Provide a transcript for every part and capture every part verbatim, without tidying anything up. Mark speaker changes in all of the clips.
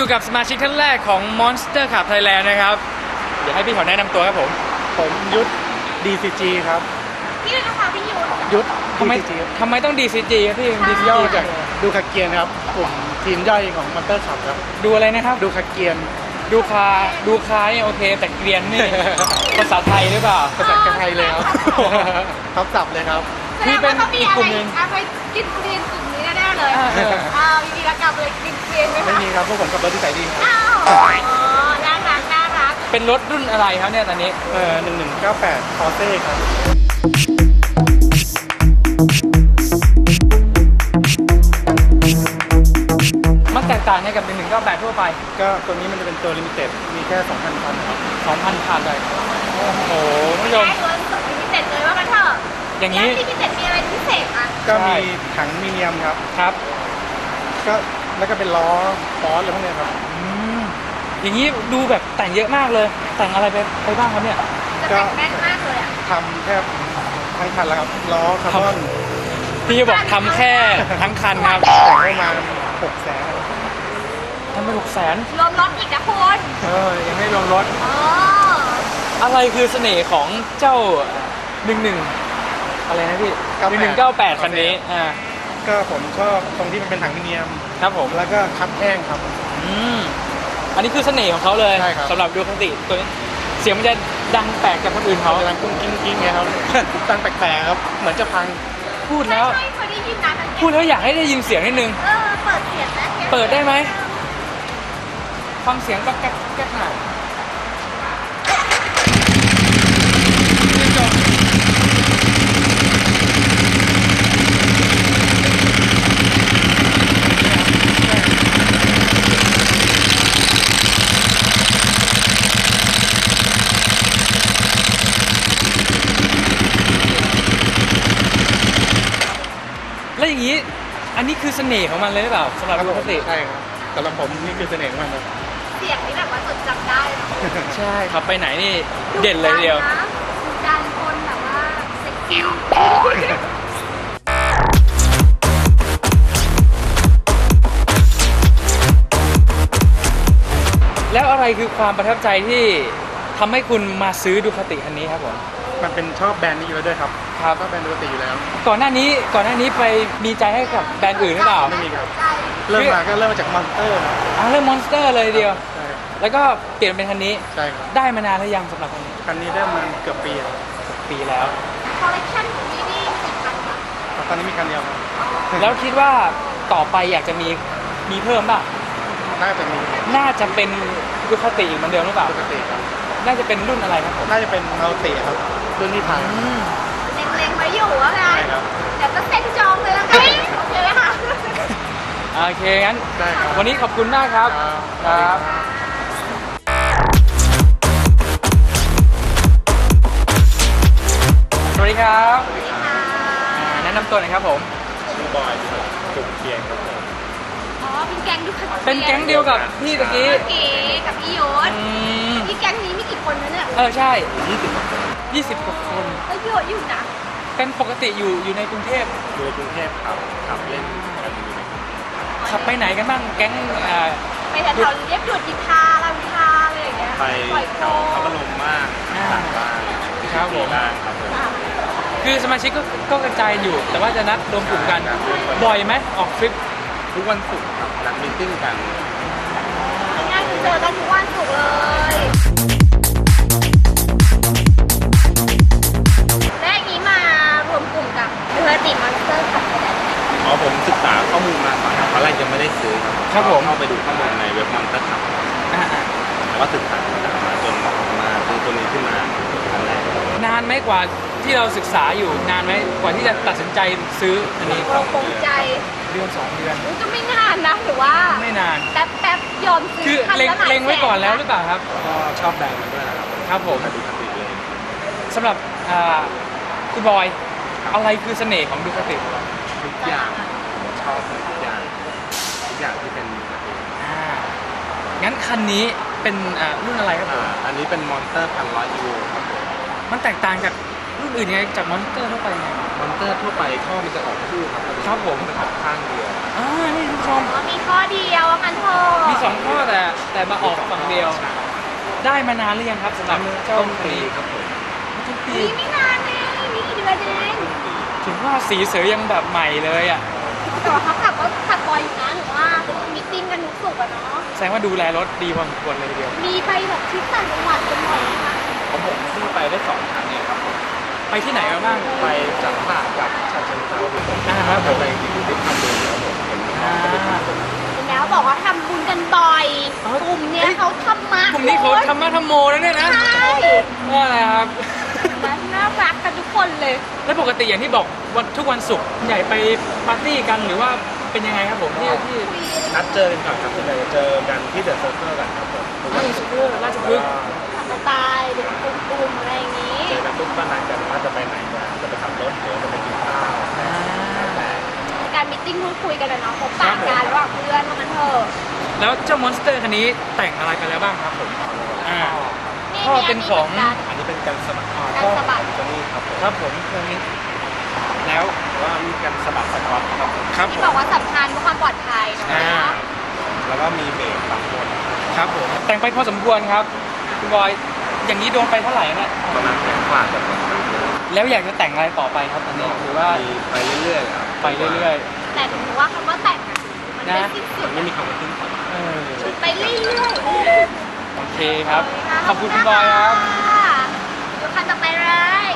Speaker 1: อยู่กับสมาชิกท่านแรกของ Monster Club Thailand นะครับเดี๋ยวให้พี่เขาแนะนำตัวครับผม
Speaker 2: ผมยุทธ ดี ซี จี ครับ
Speaker 3: พี่เลยนะคะพี่ยุทธ
Speaker 2: ยุทธ
Speaker 1: ทำไม
Speaker 2: ดี ซี จี
Speaker 1: ทำไมต้อง ดี ซี จี ครับพี่ ดี ซี จี
Speaker 2: ย่อจากดูคาเกียนครับกลุ่มทีมย่อยของมอนเตอร์ขับครับ
Speaker 1: ดูอะไรนะครับ
Speaker 2: ดูคาเกียน
Speaker 1: ดูคาดูคาเนี่ยโอเคแต่เกรียนนี่ ภาษาไทยหรือเปล่า
Speaker 2: ภาษาไทยเลยครับทับศัพท์เลยครับ
Speaker 1: พี่เป็นอีกกลุ่มหนึ่ง
Speaker 3: อะไรกินเกรียนกลุ่มนี้แน่ๆเลยอ้าวยินดีรับกลับเลยกินเกรียนไหมคะ
Speaker 2: ไม่มีครับพวกผมขับรถที่ใส่ดีครับ
Speaker 3: อ้าวน่ารักน่ารัก
Speaker 1: เป็นรถรุ่นอะไรครับเนี่ยตอนนี้
Speaker 2: เออหนึ่งหนึ่งเก้าแปดคอเซ่ครับ
Speaker 1: มันแตกต่างกับหนึ่งหนึ่งเก้าแปดทั่วไป
Speaker 2: ก็ตัวนี้มันจะเป็นตัวลิมิเต็ดมีแค่ สองพัน คันครับ
Speaker 1: สองพัน คันเลยโอ้โหคุณผู้ชม
Speaker 3: ได้ตัวลิมิเต็ดเลยว่ากันเถอะ
Speaker 1: อย่างนี้
Speaker 3: ลิมิเต็ดมีอะไรพิเศษอ่ะ
Speaker 2: ก็มีถังมีเนียมครับ
Speaker 1: ครับ
Speaker 2: ก็แล้วก็เป็นล้อฟอสอะไรพวกนี้ครับ
Speaker 1: อย่างนี้ดูแบบแต่งเยอะมากเลยแต่งอะไรไปไปบ้างครับเนี่ย
Speaker 3: ก็แม่นมากเลยอ่ะ
Speaker 2: ทำแค่ทั้งคันแล้วครับล้อคาร์บอน
Speaker 1: พี่บอกทำแค่ทั้งคันครับ
Speaker 2: แต่งประมาณหกแสน
Speaker 1: ทำไปหกแสน
Speaker 3: รวมรถอีกนะคุณ
Speaker 1: เออยังไม่รวมรถ
Speaker 3: อ๋อ
Speaker 1: อะไรคือเสน่ห์ของเจ้าหนึ่งหนึ่งอะไรนะพี่หนึ่งหนึ่งเก้าแปดคันนี้อ่า
Speaker 2: ก็ผมชอบตรงที่มันเป็นถังมิเนียม
Speaker 1: ครับผม
Speaker 2: แล้วก็คัดแห้งครับ
Speaker 1: อืมอันนี้คือเสน่ห์ของเขาเลยสำหรับดูคติตัวนี้เสียงมันจะดังแปลกจากคนอื่นเขา
Speaker 2: จะดังกุ้งกิ้งกิ้งไงครับดังแปลกๆครับเหมือนจะพัง
Speaker 1: พูดแล้ว
Speaker 3: เคยได้ยินนะ
Speaker 1: พูดแล้วอยากให้ได้ยินเสียงนิดนึง
Speaker 3: เออเปิดเสียงนะ
Speaker 1: เปิดได้ไหมฟังเสียงก็แก๊กแก๊กหน่อยแล้วอย่างนี้อันนี้คือเสน่ห์ของมันเลยหรือเปล่าสำหรับปกติ
Speaker 2: ใช่ครับสำหรับผมนี่คือเสน่ห์ของมันครับ
Speaker 3: เสียงนี่แบบว่าจดจำได้
Speaker 1: ใช่ครับไปไหนนี่เด่นเลยเดียว
Speaker 3: ดันคนแบบว่าเซ็กซี่
Speaker 1: แล้วอะไรคือความประทับใจที่ทำให้คุณมาซื้อดูคติคันนี้ครับผม
Speaker 2: มันเป็นชอบแบรนด์นี้อยู่แล้วด้วยครับ
Speaker 1: ครับ
Speaker 2: ชอบแบรนด์ดูคติอยู่แล้ว
Speaker 1: ก่อนหน้านี้ก่อนหน้านี้ไปมีใจให้กับแบรนด์อื่นหรือเปล่า
Speaker 2: ไม่มีครับเริ่มมาก็เริ่มมาจากมอนสเตอร์
Speaker 1: อ่าเริ่มมอนสเตอร์เลยเดียวแล้วก็เปลี่ยนเป็นคันนี้
Speaker 2: ใช่ครับ
Speaker 1: ได้มานานแล้วยังสำหรับคันนี้
Speaker 2: คันนี้ได้มาเกือบปีแล้ว
Speaker 1: ปีแล้ว
Speaker 3: คอลเลคชันของนี่นี่กี่คันคะ
Speaker 2: ตอนนี้มีคันเดียวครับ
Speaker 1: แล้วคิดว่าต่อไปอยากจะมีมีเพิ่มป่ะ
Speaker 2: น่าจะมี
Speaker 1: น่าจะเป็นดูคติอีกเหมือนเดิมหรือเปล่า
Speaker 2: ดูคติครับ
Speaker 1: น่าจะเป็นรุ่นอะไรครับผม
Speaker 2: น่าจะเป็นมัลติครับรุ่นที่ผ่าน
Speaker 3: เล็งๆไว้อยู่ว่าไงเดี๋ยวก็เซ็นจองเลยแล้วกันโอเคไหมคะ
Speaker 1: โอเคงั้น
Speaker 2: ได้ครับ
Speaker 1: วันนี้ขอบคุณมากครับครับสวัสดีครับแนะนำตัวหน่อยครับผม
Speaker 2: ชื่อบอยจุกเกียงครับผม
Speaker 3: อ๋อเป็นแก๊งดูคั
Speaker 1: เป็นแก๊งเดียวกับพี่ตะกี้
Speaker 3: เก๋กับพี่ยศพี่แก๊งนี้มีกี่คนนะเนี่ย
Speaker 1: เออใช่ยี่สิบยี่สิบกว่าคน
Speaker 3: ก็เยอะอยู่นะ
Speaker 1: เป็นปกติอยู่อยู่ในกรุงเทพ
Speaker 2: อยู่ในกรุงเทพครับขับเล่นกันอยู่ใน
Speaker 1: ขับไปไหนกันบ้างแก๊ง
Speaker 3: ไปแถวๆเรียบด่วนอินทาลำธารอะไรอย่างเงี้ย
Speaker 2: ไปแถวเขาบรมมากต่างบ้าน
Speaker 1: ครับผม
Speaker 2: ครับ
Speaker 1: คือสมาชิกก็ก็กระจายอยู่แต่ว่าจะนัดรวมกลุ่มกันบ่อยไหมออกทริป
Speaker 2: ทุกวันศุกร์ครับนัดมีตติ้งกัน
Speaker 3: ง่ายๆเจอกันทุกวันศุกร์เลยและอย่างนี้มารวมกลุ่มกับดูคติมอนสเตอร์ขับไปได้ไหม
Speaker 2: อ๋อผมศึกษาข้อมูลมาก่อนครับตอนแรกยังไม่ได้ซื้อ
Speaker 1: ครับผม
Speaker 2: เข้าไปดูข้อมูลในเว็บมอนสเตอร์ขับแล้วก็ศึกษามาจนมาซื้อตัวนี้ขึ้นมาครั้งแรก
Speaker 1: นานไหมกว่าที่เราศึกษาอยู่นานไหมกว่าที่จะตัดสินใจซื้ออันนี้
Speaker 3: เราคงใจ
Speaker 1: เดือนสองเดือน
Speaker 3: ก็ไม่นานนะหรือว่า
Speaker 1: ไม่นาน
Speaker 3: แป๊บแป๊บยอมซื้อ
Speaker 1: คือเล็งเล็งไว้ก่อนแล้วหรือเปล่าครับ
Speaker 2: ก็ชอบแบรนด์มันด้วยนะครับ
Speaker 1: ครับผม
Speaker 2: ดูคติเลย
Speaker 1: สำหรับคุณบอยอะไรคือเสน่ห์ของดูคติ
Speaker 2: ทุกอย่างชอบทุกอย่างทุกอย่างที่เป็นดูคติ
Speaker 1: งั้นคันนี้เป็นรุ่นอะไรครับผม
Speaker 2: อันนี้เป็นมอนสเตอร์พันร้อยยูครับผม
Speaker 1: มันแตกต่างจากรุ่นอื่นยังไงจากมอนสเตอร์ทั่วไปไง
Speaker 2: มอนสเตอร์ทั่วไปท่อมันจะออกคู่ครับ
Speaker 1: ครับผม
Speaker 2: มันออกข้างเดียว
Speaker 1: อ่านี่ทุกชม
Speaker 3: มีข้อเดียวมันโทษ
Speaker 1: มีสองข้อแต่แต่มาออกฝั่งเดียว ได้มานานหรือยังครับสำหรับเจ้า
Speaker 2: ต้น
Speaker 1: คัน
Speaker 2: ปี
Speaker 1: นี้
Speaker 2: ครับผม
Speaker 1: ทุกปี
Speaker 3: มีไม่นานเองมีกี่เดือนเอง
Speaker 1: ถึงว่าสีเสือยังแบบใหม่เลยอ่ะ
Speaker 3: แต่ว่าเขาขับก็ขับบ่อยอยู่นะหรือว่ามีตติ้งกันทุกสุกอะเนาะ
Speaker 1: แสดงว่าดูแลรถดีพอสมควรเลยทีเดียว
Speaker 3: มีไปแบบทริปต่างจังหวัดกันบ่อยไหมคะ
Speaker 2: ของผมเพิ่งไปได้สองครั้งเองครับผม
Speaker 1: ไปที่ไหนมาบ้าง
Speaker 2: ไปจากตราดกับฉะเชิงเทราครับผม
Speaker 1: อ่าครับผม
Speaker 2: ไปที่ที่ทำบุญครับผมเห็นน้องก็ไปทำบุญ
Speaker 3: เห็นแล้วบอกว่าทำบุญกันบ่อย
Speaker 1: อ๋อ
Speaker 3: กลุ่มเนี้ยเขาทำมาก
Speaker 1: ลุ่มนี้เขาทำมาทำโมแล้วเนี่ยนะ
Speaker 3: ใช่
Speaker 1: ว่าอะไรครับ
Speaker 3: น่ารักกันทุกคนเลย
Speaker 1: แล้วปกติอย่างที่บอกวันทุกวันศุกร์ใหญ่ไปปาร์ตี้กันหรือว่าเป็นยังไงครับผมที่ที่
Speaker 2: นัดเจอกันก่อนครับส่วนใหญ่จะเจอกันที่เดอะเซอร์เคิลกันครับผม
Speaker 1: ราชพฤกษ์ราชพฤกษ์
Speaker 3: ทำสไตล์เด็กกลุ่มๆอะไรอย่างนี้
Speaker 2: เจอกันปุ๊บก็นัดกันว่าจะไปไหนกันจะไปขับรถหรือจะไปกินข้าว
Speaker 1: อ่า
Speaker 3: การมิทติ้งพูดคุยกันอะเนาะพบปะกันระหว่างเพื่อนว่ามันเถอะ
Speaker 1: แล้วเจ้ามอนสเตอร์คันนี้แต่งอะไรไปแล้วบ้างครับผมอ่า พ่อเป็นของ
Speaker 2: อันนี้เป็นการสมัคร
Speaker 3: การสะบัด
Speaker 2: ตัวนี้ครับผม
Speaker 1: ครับผมเครื่องนี้แล้ว
Speaker 2: ว่ามีการสมัครสกอตครับผม
Speaker 1: ครับผ
Speaker 3: ที่
Speaker 1: ม
Speaker 3: บอกว่าสำคัญเพื่อความปลอดภัยเนาะ
Speaker 1: อ่า
Speaker 2: แล้วก็มีเบรกบางคน
Speaker 1: ครับผมแต่งไปพอสมควรครับคุณบอยอย่างนี้โดนไปเท่าไหร่เนี่ย
Speaker 2: ประมาณแสนกว่าจะประมาณ
Speaker 1: แล้วอยากจะแต่งอะไรต่อไปครับตอนนี้หรือว่า
Speaker 2: มีไปเรื่อยๆครับ
Speaker 1: ไปเรื่อย
Speaker 3: แต่ถือว่าคำว่าแต่งอะมันไม่สิ้นสุด
Speaker 2: ไม่มีคำว่าทิ้งสุด
Speaker 1: ๆเออ
Speaker 3: ไปเรื่อยๆ
Speaker 1: โอเคครับ ขอบคุณคุณบอยครับ
Speaker 3: ดูคันต่อไปเลย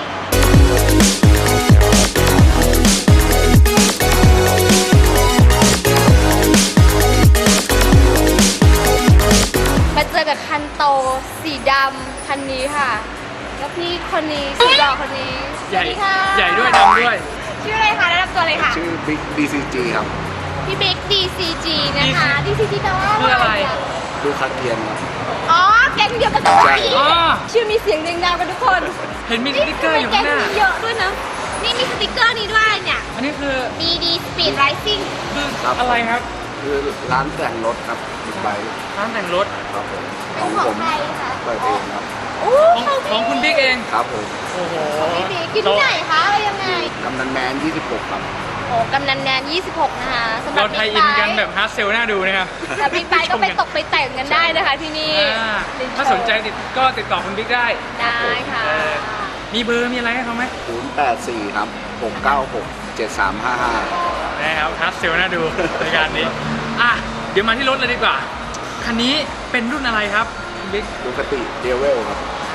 Speaker 3: มาเจอกับคันโตสีดำคันนี้ค่ะ แล้วพี่คนนี้สีหล่อคนนี้
Speaker 1: ใหญ่
Speaker 3: สวัสดีค่ะ
Speaker 1: ใหญ่ด้วยดำด้วย
Speaker 3: ชื่ออะไรคะแนะนำตัวเลยค่ะ
Speaker 2: ชื่อ Big ดี ซี จี ครับ
Speaker 3: พี่บิ๊ก ดี ซี จี นะคะ ดี ซี จี แปลว่า
Speaker 1: คืออะไร
Speaker 2: ดูคัดเทียนครับ
Speaker 3: อ๋อ แก๊งเดียวกันกับ
Speaker 2: ใช่
Speaker 3: พี่
Speaker 1: อ๋อ
Speaker 3: ชื่อมีเสียงเรียงดาวกันทุกคน
Speaker 1: เห็นมีสติ๊กเกอร์อยู่ข้างหน้า
Speaker 3: แก๊งมีเยอะด้วยนะ นี่มีสติกเกอร์นี้ด้วยเนี่ย
Speaker 1: อันนี้คือ
Speaker 3: ดี ดี Speed Rising
Speaker 1: คือ
Speaker 2: ครับ
Speaker 1: อะไรครับ
Speaker 2: คือร้านแต่งรถครับบิ๊กไบค์
Speaker 1: ร้านแต่งรถ
Speaker 2: ครับผม
Speaker 3: เป็นของใครคะ
Speaker 2: เปิดเองครับ
Speaker 3: โอ้
Speaker 1: ของของคุณบิ๊กเอง
Speaker 2: ครับผม
Speaker 1: โอ้โห
Speaker 3: พี่บิ๊กกินที่ไหนคะอะไรยังไง
Speaker 2: กำนันแมนยี่สิบหกครับ
Speaker 3: โอ้กำนันแนนยี่สิบหกนะคะสำหรั
Speaker 1: เรา
Speaker 3: บ
Speaker 1: ไทย
Speaker 3: บิ๊ก
Speaker 1: อิน
Speaker 3: ไบ
Speaker 1: กัน
Speaker 3: ค์
Speaker 1: แบบฮาร์ดเซลน่าดูนะครับ
Speaker 3: แต่บิ๊กไบค์ก็ไปตกไปแต่งกันได้นะคะที่นี่
Speaker 1: อ่าถ้าสนใจติดก็ติดต่อคุณบิ๊กได้
Speaker 3: ได้ค่ะ
Speaker 1: เออ มีเบอร์มีอะไรให้เขาไหม
Speaker 2: ศูนย์แปดสี่ครับหกเก้าหกเจ็ดสามห้าห้า
Speaker 1: นะครับฮาร์ดเซลน่าดูในการนี้ อ่ะ เดี๋ยวมาที่รถเลยดีกว่า คันนี้เป็นรุ่นอะไรครับคุณบิ๊ก
Speaker 2: ดูคติเดเวลครับ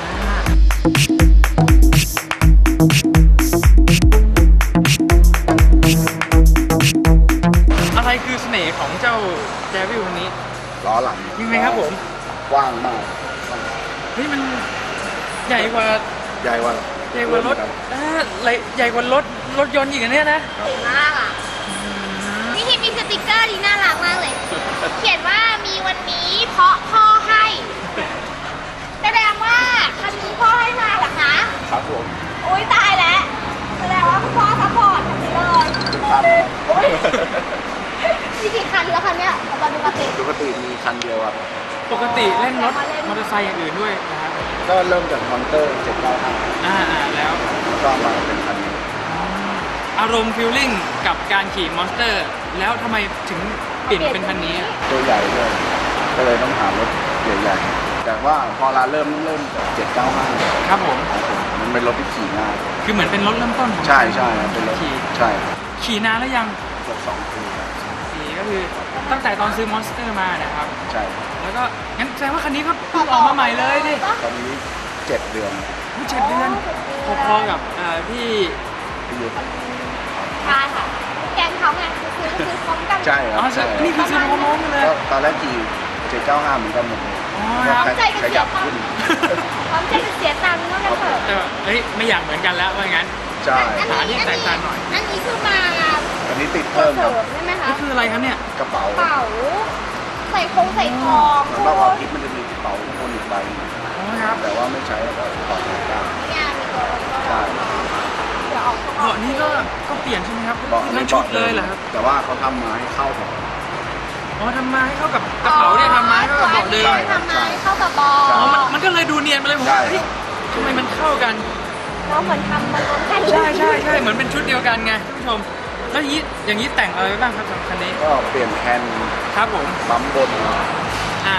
Speaker 1: อะไรคือเสน่ห์ของเจ้าแจวิลคันนี้
Speaker 2: ล้อหลัง
Speaker 1: ยังไงครับผม
Speaker 2: กว้างมาก
Speaker 1: เฮ้ยมันใหญ่กว่า
Speaker 2: ใหญ่กว่า
Speaker 1: ใหญ่กว่ารถอ่าใหญ่กว่ารถรถยนต์อีกอันเนี้ยนะ
Speaker 3: สวยมากอ่ะ นี่ที่มีสติกเกอร์ที่น่ารักมากเลย เขียนว่ามีวันนี้เพราะพ่อให้แสดงว่าคันนี้พ่อให้มาเหรอคะ
Speaker 2: ครับผม
Speaker 3: โอ้ยตายแล้วแสดงว่าคุณพ่อซัพพอร์ตคันนี้เลย
Speaker 2: ทุกคัน
Speaker 3: โอ้ยมีกี่คันแล้วคันเนี้ยของบอดูกติ
Speaker 2: ดูคติมีคันเดียวครับ
Speaker 1: ปกติเล่นรถมอเตอร์ไซค์อย่างอื่นด้วยนะครับ
Speaker 2: ก็เริ่มจากมอนเตอร์เจ็ดเก้าห้า
Speaker 1: อ่าอ่าแล้ว
Speaker 2: ก็มาเป็นคันนี้
Speaker 1: อารมณ์ฟิลลิ่งกับการขี่มอนสเตอร์ แล้วทำไมถึงเปลี่ยนเป็นคันนี้อะ
Speaker 2: ตัวใหญ่ด้วยก็เลยต้องหารถใหญ่ๆแต่ว่าพอเราเริ่มเริ่มจากเจ็ดเก้าห้า
Speaker 1: ครับผม
Speaker 2: มันเป็นรถที่ขี่ง่าย
Speaker 1: คือเหมือนเป็นรถเริ่มต้นของ
Speaker 2: ใช่ใช่ครับเป็นรถ
Speaker 1: ขี่
Speaker 2: ใช่
Speaker 1: ขี่นานแล้วยัง
Speaker 2: เกือบสองปีครับ
Speaker 1: ขี่ก็คือตั้งแต่ตอนซื้อมอนสเตอร์มานะครับ
Speaker 2: ใช่
Speaker 1: แล้วก็งั้นแสดงว่าคันนี้ก็เพิ่งออกมาใหม่เลยดิ
Speaker 2: ตอนนี้เจ็ดเดือน
Speaker 1: เจ็ดเดือนพอๆกับเอ่อพี่
Speaker 2: ที่ยุทธ
Speaker 3: ใช่ค่ะ แกงเขาไงคือซื้อซื้อพร้อมกัน
Speaker 2: ใช่ค
Speaker 1: อ๋
Speaker 2: รั
Speaker 1: อบ
Speaker 2: ใช่
Speaker 1: นี่คือซื้อมาพร้อมๆกันเลย
Speaker 2: ก็ตอนแรกขี่เจ็ดเก้าห้าเหมือนกันหมดเลย
Speaker 1: อ๋อครับ
Speaker 2: ขยับขึ้น
Speaker 3: พร้อมใจจะเสียตังค์ก็กันเถอะ
Speaker 1: แต่ว่าเฮ้ยไม่อยากเหมือนกันแล้วว่างั้น
Speaker 2: ใช่
Speaker 3: อัน
Speaker 1: หา
Speaker 3: นี้
Speaker 1: ที่แตกต่างหน่อย
Speaker 3: อันนี้คือมา
Speaker 2: อันนี้ติด
Speaker 3: ตัว
Speaker 2: เพิ่ม
Speaker 3: เส
Speaker 2: ค
Speaker 3: ริ
Speaker 2: รับ
Speaker 3: มใช่ไหมคะ
Speaker 1: นี่คืออะไรครับเนี่ย
Speaker 2: กระเป๋าก
Speaker 3: ระเป๋า ใส่คงใส่ทอง
Speaker 2: สำหรับออฟฟิศมันจะมีกระเป๋าข้างบนอีกใบหนึ่ง
Speaker 1: อ๋อครับ
Speaker 2: แต่ว่าไม่ใช้แล้วก็ถอดออกได้
Speaker 3: งานมีตัวรถก็
Speaker 2: ใช่
Speaker 3: เดี๋ยวออกข้างนอก
Speaker 1: เบาะนี้ก็ก็เปลี่ยนใช่ไหมครับ
Speaker 2: เบาะ
Speaker 1: ทั้งชุดเลยเหรอครับ
Speaker 2: แต่ว่าเขาทำมาให้เข้ากับ
Speaker 1: อ๋อทำมาให้เข้ากับกระเป๋าเนี่ยทำมาให้เข้ากับเบาะเดิม
Speaker 2: ใช่
Speaker 3: ทำมาให้เข้ากับเบอ
Speaker 2: ใช่
Speaker 1: อ๋อมัน
Speaker 3: ล
Speaker 1: มันก็เลยดูเนียนไปเลยผม
Speaker 2: ใช่
Speaker 1: ว่าเฮ้ยทำไมมันเข้ากัน
Speaker 3: เราเหมือนทำมันรวมกัน
Speaker 1: ใช่ใช่ใช่เหมือนเป็นชุดเดียวกันไงท่านผู้ชม แล้วอย่างนี้อย่างนี้แต่งอะไรไว้บ้างครับสำหรับคันนี้
Speaker 2: ก็เปลี่ยนแคน
Speaker 1: ครับผม
Speaker 2: ปั๊มบน
Speaker 1: อ่า
Speaker 2: แล้ว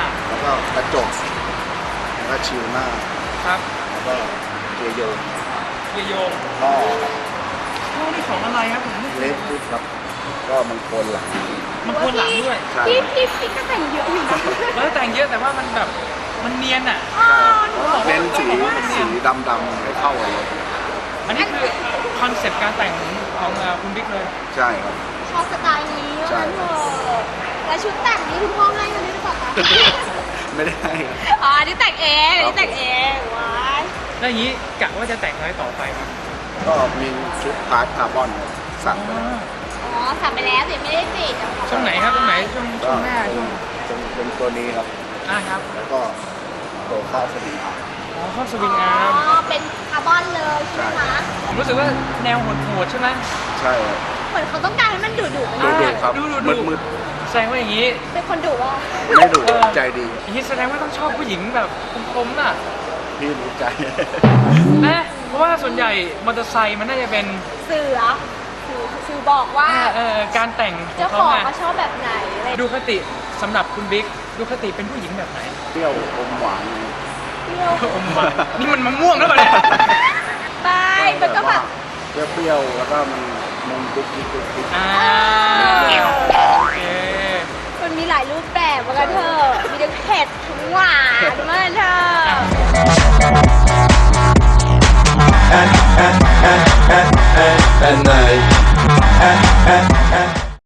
Speaker 4: ก็กระจกแล้วก็ชิวหน้า
Speaker 1: ครับ
Speaker 4: แล้วก็เกียร์โยน
Speaker 1: เกียร์โยง
Speaker 4: ท่อ
Speaker 1: โอ้นี่ของอะไรครับผมไม่เค
Speaker 4: เล็
Speaker 1: ย
Speaker 4: กฟุตครับ ก็มันโคนหลัง
Speaker 1: มันควรหลังด้วย
Speaker 4: ใช่
Speaker 3: พี่พี่พี่ก็แต่งเยอะอยู่นะ
Speaker 1: แล้วแต่งเยอะแต่ว่ามันแบบมันเนียนอ่ะ
Speaker 3: อ๋อหนูบอก
Speaker 4: เน้น
Speaker 3: ว่า
Speaker 4: สีสีดำดำๆให้เข้ากันเลย
Speaker 1: อันนี้คือคอนเซปต์การแต่งของเอ่อคุณบิ๊กเลย
Speaker 4: ใช่ครับ
Speaker 3: ชอบสไตล์นี้
Speaker 4: ใช่
Speaker 3: ว่างั้นเถอะแล้วชุดแต่งนี้คุณพ่อให้มาด้วยหรือเปล่าคะ
Speaker 4: ไม่ได้ให้ครับ
Speaker 3: อ๋ออันนี้แต่งเองอันนี้แต่งเองว้าย
Speaker 1: แล้วอย่างนี้กะว่าจะแต่งอะไรต่อไปครับ
Speaker 4: ก็มีชุดพาร์ทคาร์บอนสั่งไปแล้ว
Speaker 3: อ๋อสั่งไปแล้วแต่ยังไม่ได้ติด
Speaker 1: ช่วงไหนครับตรงไหนช่วงช่วงหน้าช่วง
Speaker 4: เป็นเป็นตัวนี้ครับ
Speaker 1: อ่าครับ
Speaker 4: แล้วก็ตัวข้าวสลิงครับ
Speaker 1: อ๋อครอบสวิง
Speaker 3: อ๋
Speaker 1: อาร์ม
Speaker 3: อเป็นคาร์บอนเลยใช่ไหมคะ
Speaker 1: ผมรู้สึกว่าแนวโหดๆใช่ไหม
Speaker 4: ใช่ครับ
Speaker 3: เหมือนเขาต้องการให้มันดุดุๆ
Speaker 4: ดู
Speaker 3: นะ
Speaker 4: ดูครับ
Speaker 1: ดูดูดู
Speaker 4: มืดมืด
Speaker 1: แสดงว่าอย่างนี้
Speaker 3: เป็นคนดุว่า
Speaker 4: ๆไม่ดู
Speaker 1: เออ
Speaker 4: ใจดี
Speaker 1: อย่างนี้แสดงว่าต้องชอบผู้หญิงแบบคมๆน่ะ
Speaker 4: พี่รู้ใจ
Speaker 1: นะเพราะว่าส่วนใหญ่มอเตอร์ไซค์มันน่าจะเป็น
Speaker 3: เสือสื่อสื่อบอกว่า
Speaker 1: เออเออการแต่ง
Speaker 3: เจ้า
Speaker 1: ข
Speaker 3: ของ
Speaker 1: อะ
Speaker 3: เขาชอบแบบไหนอะไร
Speaker 1: ดูคติสำหรับคุณบิ๊กดูคติเป็นผู้หญิงแบบไหน
Speaker 4: เปรี้ยวอมหวาน
Speaker 3: เที่ยว
Speaker 1: อมหวานนี่มันมะม่วงหรือเปล่าเนี่ย
Speaker 3: ไปมันก็แบบ
Speaker 4: เปรี้ยวๆแล้วก็มันมันกุ๊กกิ๊กกุ๊กกิ๊ก
Speaker 1: อ่า